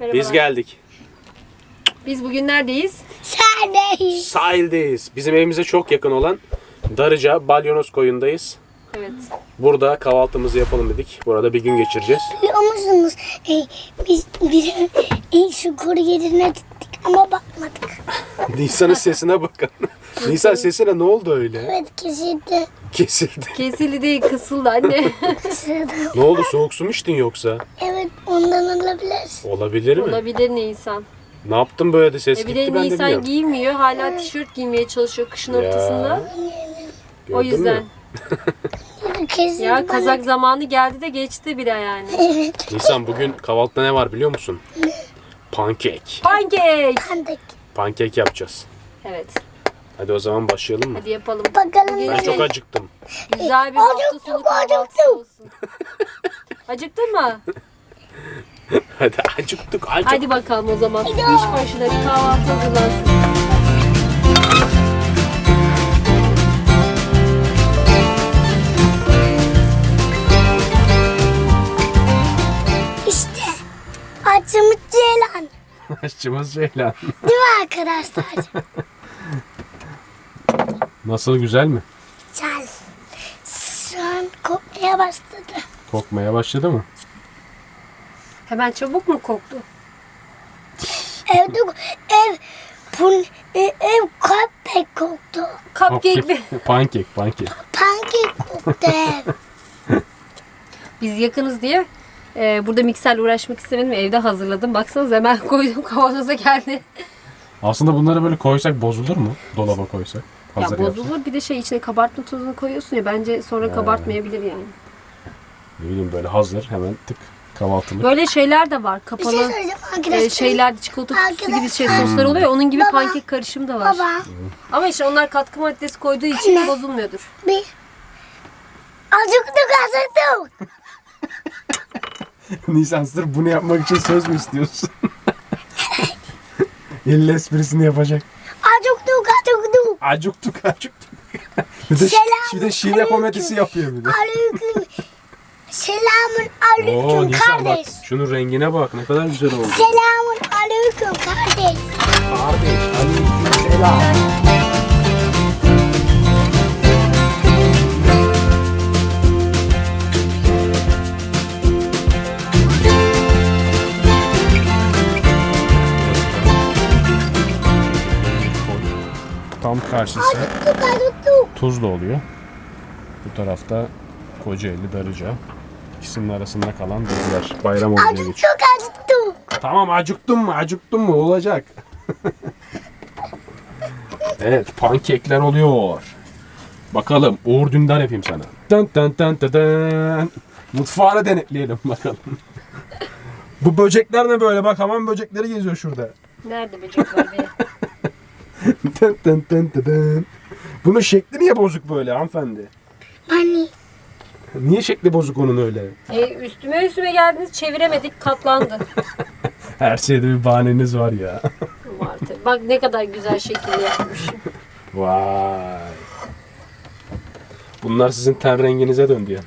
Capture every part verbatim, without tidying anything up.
Merhabalar. Biz geldik. Biz bugün neredeyiz? Sahildeyiz. Sahildeyiz. Bizim evimize çok yakın olan Darıca Balyonos koyundayız. Evet. Burada kahvaltımızı yapalım dedik. Burada bir gün geçireceğiz. Biliyor musunuz? E, biz bir e, şu koru yerine gittik ama bakmadık. Nisan'ın sesine bakın. Nisan sesine ne oldu öyle? Evet kesildi. Kesildi. Kesildi değil, kısıldı anne. Kısıldı. Ne oldu? Soğuk su mu içtin yoksa? Evet ondan olabilir. Olabilir mi? Olabilir Nisan. Ne yaptın böyle de ses E bir gitti de ben de Nisan bilmiyorum. giymiyor. Hala tişört giymeye çalışıyor kışın Ya. ortasında. Gördün O yüzden. mü? Kesildi Ya bana. kazak zamanı geldi de geçti bile yani. Evet. Nisan bugün kahvaltıda ne var biliyor musun? Pankek. Pancake. Kandık. Pankek yapacağız. Evet. Hadi o zaman başlayalım mı? Hadi yapalım. Bakalım. Bugün Ben çok şey, acıktım. güzel bir hafta sonu kahvaltısı acıktım. olsun. Acıktın mı? Hadi acıktık acıktık. Hadi bakalım o zaman. İş başına bir kahvaltı hazırlansın. İşte acımız ceylan. Aşçımız Ceylan. Değil mi arkadaşlar? Nasıl, güzel mi? Güzel. Şu an kokmaya başladı. Kokmaya başladı mı? Hemen çabuk mu koktu? Evde ev bun e, ev köpek koktu. Cupcake mi? Pankek, pankek. Pankek koktu ev. Biz yakınız diye e, burada mikserle uğraşmak istemedim. Evde hazırladım. Baksanıza hemen koydum, kavanoza geldi. Aslında bunları böyle koysak bozulur mu? Dolaba koysak. Hazır Ya yapsak. bozulur. Bir de şey içine kabartma tozunu koyuyorsun ya. Bence sonra kabartmayabilir yani. Ne bileyim böyle hazır hemen tık kahvaltılık. Böyle şeyler de var. Bir şey Kapalı söyleyeceğim arkadaşlar. e, şeyler, çikolata kutusu gibi şey Arkadaşlar. soslar oluyor ya. Onun gibi Baba. pankek karışımı da var. Baba Ama işte onlar katkı maddesi koyduğu için Anne. bozulmuyordur. bir acıktık acıktık. Nisan sırf bunu yapmak için söz mü istiyorsun? Elle esprisini yapacak. Acıktık acıktık. Acıktık acıktık. bir de, Selam bir de şive aleyküm. komedisi yapıyor bir de. Aleyküm. Selamun Oo aleyküm Nisan bak kardeş. şunun rengine bak ne kadar güzel oldu. Selamun aleyküm kardeş. Kardeş aleyküm selam. Tam karşısı Acıktık acıktık. Tuzla oluyor. Bu tarafta Kocaeli, Darıca. İkisinin arasında kalan diziler. Bayram oluyor geçiyor. Acıktık acıktık. Tamam acıktın mı? Acıktın mı? Olacak. Evet pankekler oluyor. Bakalım Uğur Dündar yapayım sana. Dın dın dın dın dın. Mutfağını denetleyelim bakalım. Bu böcekler ne böyle? Bak hamam böcekleri geziyor şurada. Nerede böcek var be? Dın dın dın dın dın. Bunun şekli niye bozuk böyle hanımefendi? Hani Niye şekli bozuk onun öyle? E, üstüme üstüme geldiniz, çeviremedik, katlandı. Her şeyde bir bahaneniz var ya. Var tabii. Bak ne kadar güzel şekilde yapmış. Vay. Bunlar sizin ten renginize döndü ya.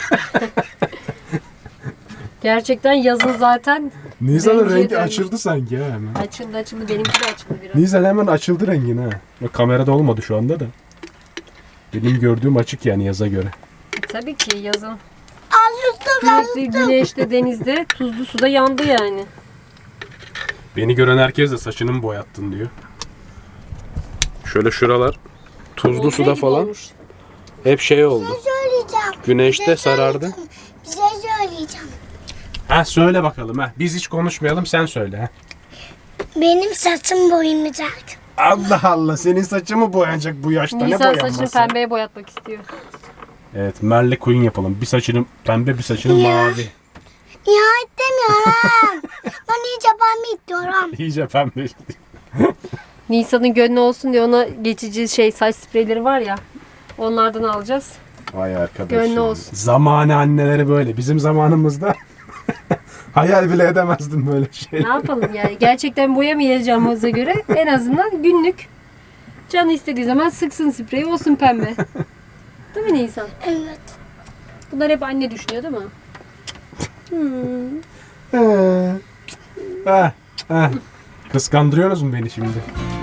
Gerçekten yazın zaten Nisan'ın Rengi rengi dönmüş. açıldı sanki ha hemen. açıldı açıldı. Benimki de açıldı biraz. Nisan hemen açıldı rengin ha. Bak kamerada olmadı şu anda da. Benim gördüğüm açık yani yaza göre. Tabii ki yazın. acıktık Sürekli acıktık. güneşte, denizde, tuzlu suda yandı yani. Beni gören herkes de saçını mı boyattın diyor. Şöyle şuralar tuzlu Volkan suda gibi falan olmuş. hep şey oldu. Bir şey söyleyeceğim. Güneşte Bir şey sarardı. söyleyeceğim. Bir şey söyleyeceğim. Ha söyle bakalım ha. Biz hiç konuşmayalım sen söyle ha. Benim saçım boyanacak. Allah Allah senin saçın mı boyanacak bu yaşta ne Nisan boyanması? saçını pembeye boyatmak istiyor. Evet Merle Queen yapalım. Bir saçını pembe bir saçını Ya. mavi. Ya istemiyorum. Ben iyice pembe istiyorum. İyice pembe. Nisan'ın gönlü olsun diye ona geçici şey saç spreyleri var ya. Onlardan alacağız. Vay arkadaş. Gönlü ya. olsun. Zamanı anneleri böyle. Bizim zamanımızda hayal bile edemezdim böyle şey. Ne yapalım yani? Gerçekten boyamayacağımıza göre en azından günlük canı istediği zaman sıksın spreyi, olsun pembe. Değil mi Nisan? Evet. Bunlar hep anne düşünüyor değil mi? Hmm. Ee, Heh, heh. Kıskandırıyorsunuz mu beni şimdi?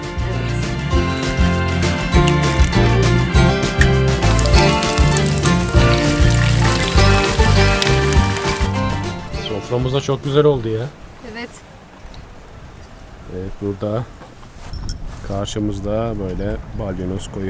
Soframız da çok güzel oldu ya. Evet. Evet, burada karşımızda böyle balyonoz koyu.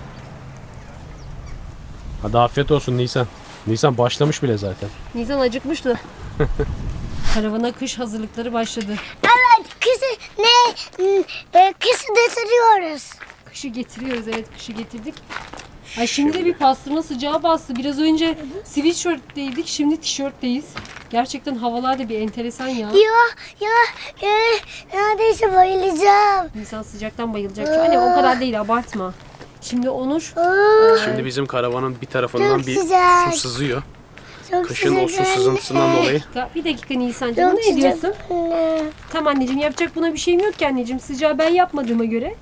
Hadi afiyet olsun Nisan. Nisan başlamış bile zaten. Nisan acıkmıştı. Karavana kış hazırlıkları başladı. Evet, kızı ne? E, kızı getiriyoruz. Kışı getiriyoruz, evet kışı getirdik. Ay şimdi de bir pastırma sıcağı bastı. Biraz önce sweatshirt'teydik, şimdi tişörtteyiz. Gerçekten havalar da bir enteresan ya. Ya, ya, e, neredeyse bayılacağım. İnsan sıcaktan bayılacak. Hani o kadar değil, abartma. Şimdi Onur, Oo, Şimdi bizim karavanın bir tarafından Çok bir güzel. su sızıyor. çok Kışın o su güzel. sızıntısından dolayı. bir dakika Nisan'cığım, Çok ne diyorsun? sıcak anne. Tamam anneciğim, yapacak buna bir şeyim yok ki anneciğim. Sıcağı ben yapmadığıma göre.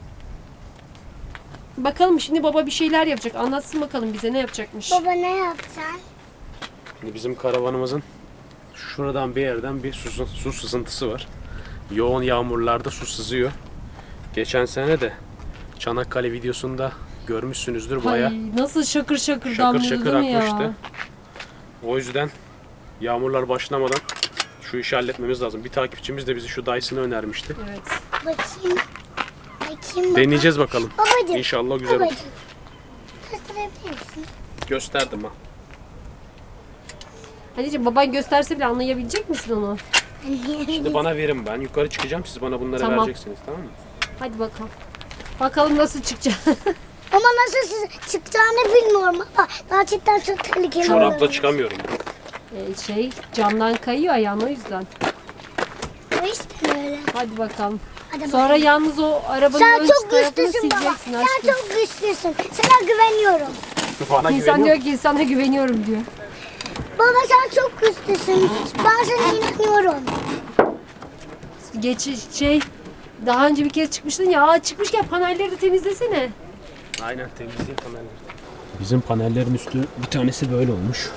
Bakalım şimdi baba bir şeyler yapacak. Anlatsın bakalım bize ne yapacakmış. Baba ne yapacaksın? Şimdi bizim karavanımızın şuradan bir yerden bir su, su sızıntısı var. Yoğun yağmurlarda su sızıyor. Geçen sene de Çanakkale videosunda görmüşsünüzdür, bayağı Ay, nasıl şakır şakır, şakır damlıyordu şakır değil mi akmıştı. ya? O yüzden yağmurlar başlamadan şu işi halletmemiz lazım. Bir takipçimiz de bizi şu Dyson'ı önermişti. Evet. Bakayım. Bakayım baba. Deneyeceğiz bakalım. Babacığım. İnşallah güzel olur. Babacığım. Gösterebilir misin? Gösterdim ha. Anneciğim baban gösterse bile anlayabilecek misin onu? Şimdi bana verin, ben yukarı çıkacağım, siz bana bunları Tamam. vereceksiniz, tamam mı? Hadi bakalım. Bakalım nasıl çıkacak. Ama nasıl siz çıkacağını bilmiyorum ama gerçekten çok tehlikeli Çorapla olabilir. çıkamıyorum. Ee, şey camdan kayıyor ayağın, o yüzden. O işte öyle. Hadi bakalım. Hadi Sonra bakalım. yalnız o arabanın Sen ön çok tarafını güçlüsün baba. sileceksin Sen aşkım. çok güçlüsün. Sana güveniyorum. Bana İnsan güveniyor diyor ki sana güveniyorum diyor. Baba sen çok güçlüsün. Ben sana inanıyorum. Geç şey daha önce bir kez çıkmıştın ya. Aa, çıkmışken panelleri de temizlesene. Aynen, temizliği panelleri. Bizim panellerin üstü bir tanesi böyle olmuş.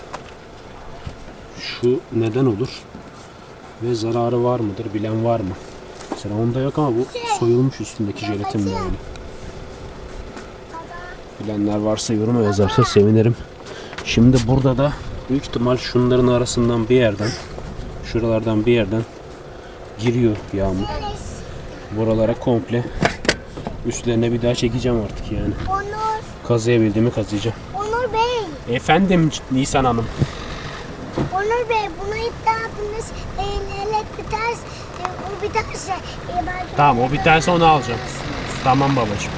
Şu neden olur ve zararı var mıdır bilen var mı? Mesela onda yok ama bu soyulmuş üstündeki jelatin böyle. Bilenler varsa yoruma yazarsa sevinirim. Şimdi burada da büyük ihtimal şunların arasından bir yerden, şuralardan bir yerden giriyor yağmur. Buralara komple üstlerine bir daha çekeceğim artık yani. Onur. Kazıyabildiğimi kazıyacağım. Onur Bey. Efendim Nisan Hanım. Onur Bey buna iddiatınız e, elet biterse e, o biterse e, belki Tamam, o biterse onu alacağım. Tamam babacığım.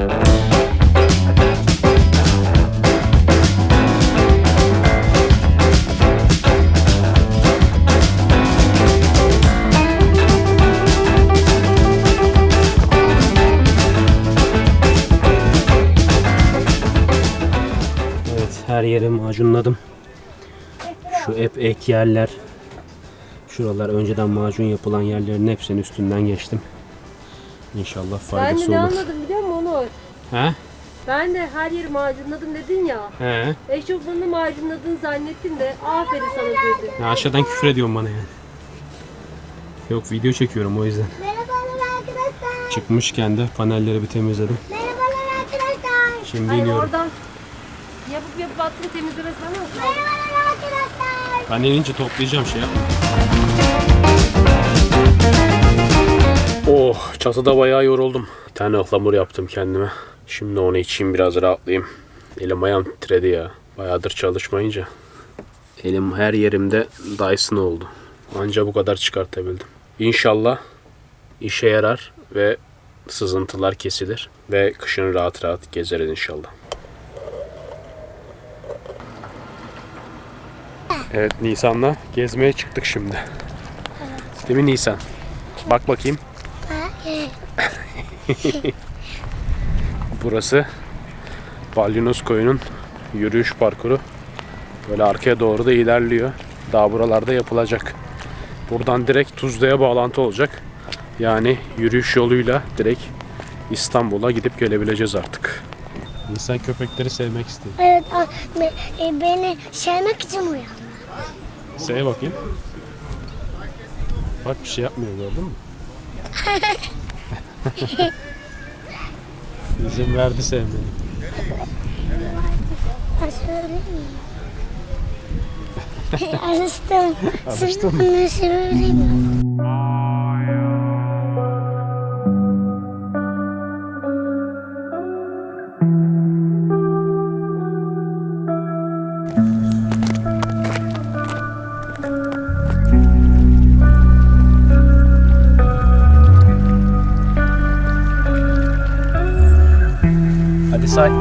Evet, her yeri macunladım. Şu hep ek yerler, şuralar önceden macun yapılan yerlerin hepsinin üstünden geçtim. İnşallah Ben de faydası ne olur. anladım biliyor musun Onur? He? Ben de her yeri macunladım dedin ya. He. Eşofmanını macunladın zannettim de aferin sana dedim. Ya aşağıdan küfür ediyorsun bana yani. Yok, video çekiyorum o yüzden. Merhabalar arkadaşlar. Çıkmışken de panelleri bir temizledim. Merhabalar arkadaşlar. Şimdi Hayır iniyorum. oradan yapıp yapıp attın temizlemesi bana mı? Merhabalar arkadaşlar. Ben inince toplayacağım şey. Oh, çatıda bayağı yoruldum. Bir tane ıhlamur yaptım kendime. Şimdi onu içeyim, biraz rahatlayayım. Elim ayağım titredi ya. Bayağıdır çalışmayınca. Elim her yerimde Dyson oldu. Anca bu kadar çıkartabildim. İnşallah işe yarar ve sızıntılar kesilir. Ve kışın rahat rahat gezeriz inşallah. Evet, Nisan'la gezmeye çıktık şimdi. Değil mi Nisan? Bak bakayım. Burası Balyonoz Koyu'nun yürüyüş parkuru. Böyle arkaya doğru da ilerliyor. Daha buralarda yapılacak. Buradan direkt Tuzla'ya bağlantı olacak. Yani yürüyüş yoluyla direkt İstanbul'a gidip gelebileceğiz artık. İnsan köpekleri sevmek istiyor. Evet a- be- e, beni sevmek için uyandı. Sev bakayım. Bak bir şey yapmıyor, gördün mü? İzin verdi sevmeni. Ben söyleyeyim mi? Alıştım. Alıştın mı? Bana söyleyeyim. Hadi say.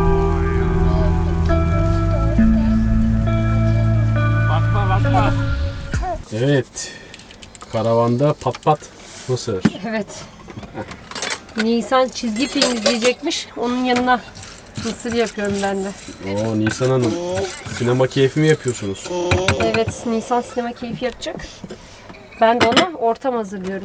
Bakma bakma. Evet. Karavanda pat pat mısır. Evet. Nisan çizgi film izleyecekmiş. Onun yanına mısır yapıyorum ben de. Oo Nisan Hanım. Sinema keyfi mi yapıyorsunuz? Evet, Nisan sinema keyfi yapacak. Ben de ona ortam hazırlıyorum.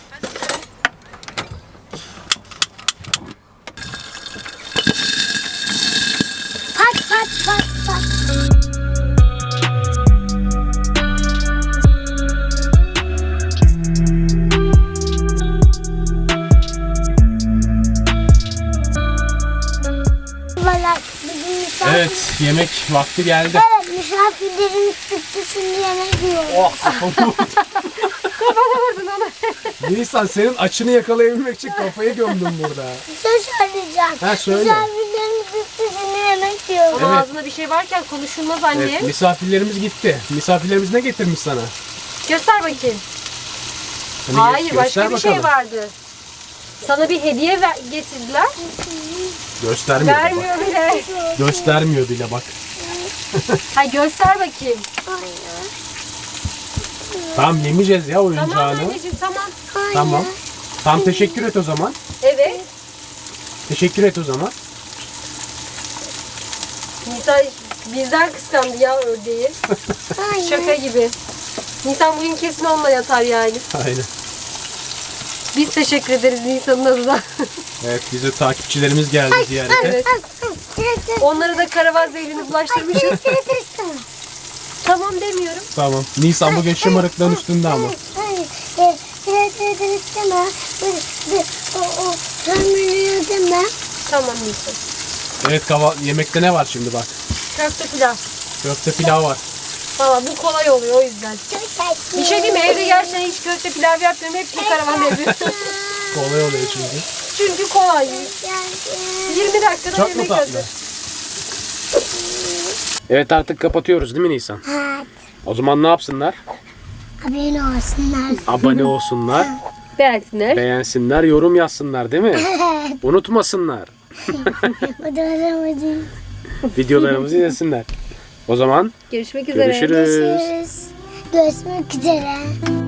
Pat pat pat pat. Valla bugün misafir... Evet, yemek vakti geldi. Evet, misafirlerimiz çıktı, şimdi yemek yiyoruz. Oh, kafamı vurdum. Kafana vurdun onu. Nisan, senin açını yakalayabilmek için kafayı gömdüm burada. Bir şey söyleyeceğim. Ha, söyle. Misafirlerimiz çıktı, şimdi yemek yiyoruz. Ama Evet. ağzında bir şey varken konuşulmaz anne. Evet, misafirlerimiz gitti. Misafirlerimiz ne getirmiş sana? Göster bakayım. Hani Hayır, gö- başka bir göster şey bakalım. vardı. Sana bir hediye ver- getirdiler. Göstermiyor da bak. Vermiyor bile. Göstermiyor bile bak. Ha, göster bakayım. Hayır. Tamam, yemeyeceğiz ya Tamam oyuncağını. anneciğim, tamam. Hayır. Tamam. Tam teşekkür et o zaman. Evet. Teşekkür et o zaman. Nisan bizden kıskandı ya ördeği. Hayır. Şaka gibi. Nisan bugün kesin onunla yatar yani. Aynen. Biz teşekkür ederiz Nisan'ın adına. Evet, bize takipçilerimiz geldi ziyarete. Evet. Onlara da karavan zehrini bulaştırmışız. Tamam demiyorum. Tamam. Nisan bugün şımarıklığın üstünde ama. Hayır. Biraz ödemek deme. O, o, sömürüyor deme. Tamam Nisan. Evet, kava yemekte ne var şimdi bak. Köfte pilav. Köfte pilav var. Valla bu kolay oluyor o yüzden. Bir şey diyeyim mi? Evde gerçekten hiç köfte pilav yapmıyorum. Hep bir karavan yapıyorum. Kolay oluyor çünkü. Çünkü kolay. yirmi dakikada Çok mu yemek tatlı? hazır. Evet, artık kapatıyoruz değil mi Nisan? Evet. O zaman ne yapsınlar? Abone olsunlar. Abone olsunlar, Beğensinler. beğensinler, yorum yazsınlar değil mi? Unutmasınlar. O da aramadı. Videolarımızı izlesinler. O zaman Görüşmek üzere. görüşürüz. Görüşürüz. Görüşmek üzere.